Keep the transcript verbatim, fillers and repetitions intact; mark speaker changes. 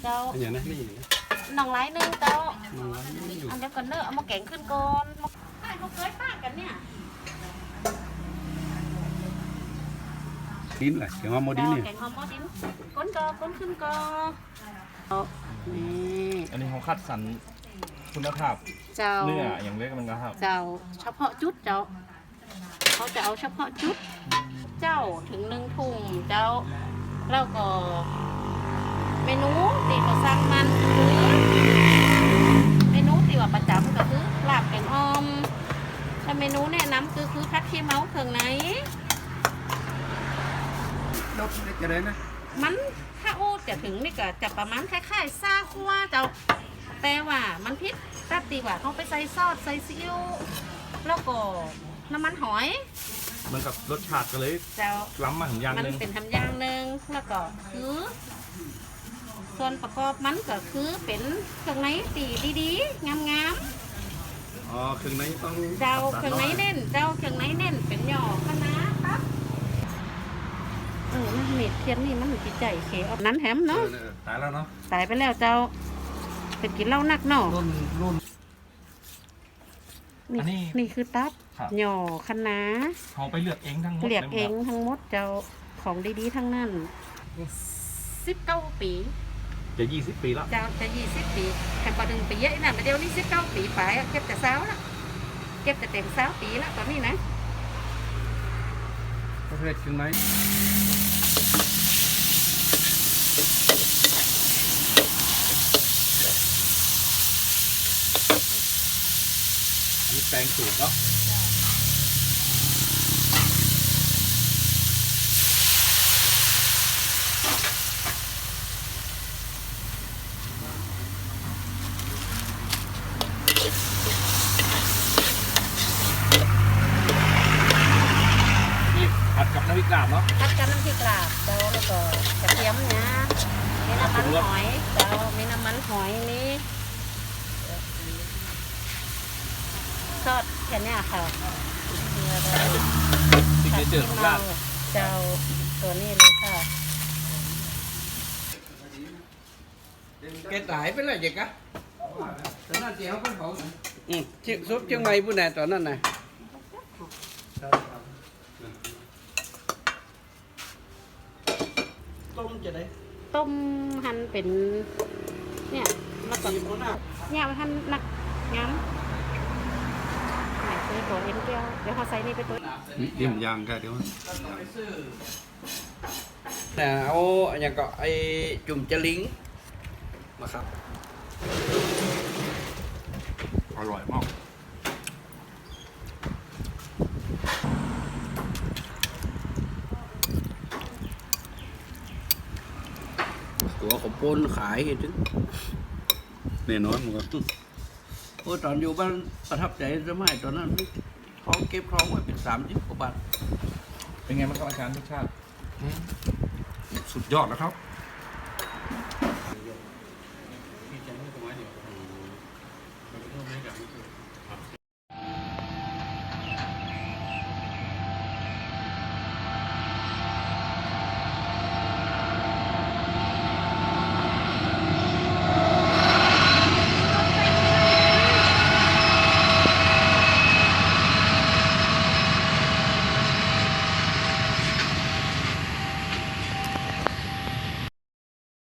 Speaker 1: เจ้า
Speaker 2: อย่างนั้นนี่
Speaker 1: หน่องไร้นึงเจ้า
Speaker 2: น้องร้านนี่อยู่
Speaker 1: อันเดียวกันเนอะเอามาแกงขึ้นก่อนใช่เขาเคยป้ากันเนี่ย
Speaker 2: ดินแหละเขียนว่าโมดินเนี่ย
Speaker 1: แกงหอมหม้อดินก้นกอก้นขึ้นกอนี่
Speaker 3: อันนี้เขาคัดสรรคุณภาพ
Speaker 1: เจ้า
Speaker 3: เนื้ออย่างเล็กมันก็ครับ
Speaker 1: เจ้าเฉพาะจุดเจ้าเขาจะเอาเฉพาะจุดเจ้าถึงหนึ่งถุงเจ้าแล้วก็เมนูตีเขาสั่งมันคือเมนูตีว่าประจำก็คือลาบแกงอ่อมถ้าเมนูแนะนำคือคือพัดขี้เมาเครื่องไหน
Speaker 2: รถจะได้นะ
Speaker 1: มันถ้าโอ้จะถึงนี่ก็จะประมาณคล้ายๆซาคัวเจ้าแต่ว่ามันพิษตัดตีว่าเขาไปใส่ซอสใส่ซีอิ๊วแล้วก็น้ำมันหอย
Speaker 3: เหมือนกับรสชาติก็เลย
Speaker 1: เจ้า
Speaker 3: ล้ำมาถึงอย่าง
Speaker 1: มัน
Speaker 3: หนึง
Speaker 1: เป็นทำอย่างหนึ่งแล้วก็คือ ส่วนประกอบมันก็คือเป็นเครื่องในตีดีๆงาม
Speaker 2: อ๋อเครื่องในต้อง
Speaker 1: ๆเจ้าเครื่องในเน้นเจ้าเครื่องในเน้นเป็นหย่อคะน้าครับเออมันเม็ดเทียนนี่มันจิตใจเขออกนั้นแถมเนาะ
Speaker 2: ตายแล้วเนาะ
Speaker 1: ตายไปแล้วเจ้าเป็นกินเหล้านักเนาะ
Speaker 2: รุ่นรุ่น
Speaker 1: นี่นี่คือตับ
Speaker 3: ครับ
Speaker 1: หย่อคะน้า
Speaker 3: เขาไปเลือกเองทั้งหมด
Speaker 1: เรียก
Speaker 3: ล
Speaker 1: เอง
Speaker 3: ครับ
Speaker 1: ทั้งหมดเจ้าของดีๆทั้งนั้นสิบเก้าปี
Speaker 3: จะยี่สิบปีแล้ว
Speaker 1: เจ้าจะยี่สิบปีแค่พอดึงปีเยอะนะมาเดี๋ยวนี้สิบเก้าปีไปอะเก็บแต่เช้าละเก็บแต่เต็มเช้าปีละตอนนี้นะ
Speaker 2: ประเภทเครื่องในอันนี้แปลงสูตรเนาะนี่ผัดกับน้ำพริกกาบเนาะ
Speaker 1: พัดกันน้ำพริกลาบเจ้าแล้วก็กระเทียมนะมีน้ำมันหอยเจ้ามีน้ำมันหอยนี่ทอดแค่เนี้ยค่ะมีอะไร
Speaker 3: สิ่งที่เจอของร้าน
Speaker 1: เจ้าตัวนี้เลยค่ะ
Speaker 4: cái tải với là gì cả tao nói chị không có khổ ừ chiếc sốt chiếc mây bữa này tao nói này tôm chị đấy
Speaker 1: ต้มหั่นเป็นเนี่ยแล้วก็
Speaker 4: chị muốn nào
Speaker 1: เนี่ยมันหั่นหนักงั้นไหนซื้อตัวเอ็นเกียวเดี๋ยวเขาใส่นี่ไปตัว
Speaker 2: นี่เดี๋ยวผมย่างกันเดี๋ยว
Speaker 4: nè ô nhà cọ ai chùm chả lính mà khắp
Speaker 2: อร่อยมาก
Speaker 4: của khổng pôn khải thì chứ
Speaker 2: แน่นอนมันก็
Speaker 4: ôi tròn dù banประทับใจสมัยตอนนั้นท้องเก็บท้องไว้เป็นสามสิบกว่าบาท
Speaker 3: เป็นไงบ้างครับอาจารย์รสชาติ
Speaker 2: สุดยอดแล้วครับ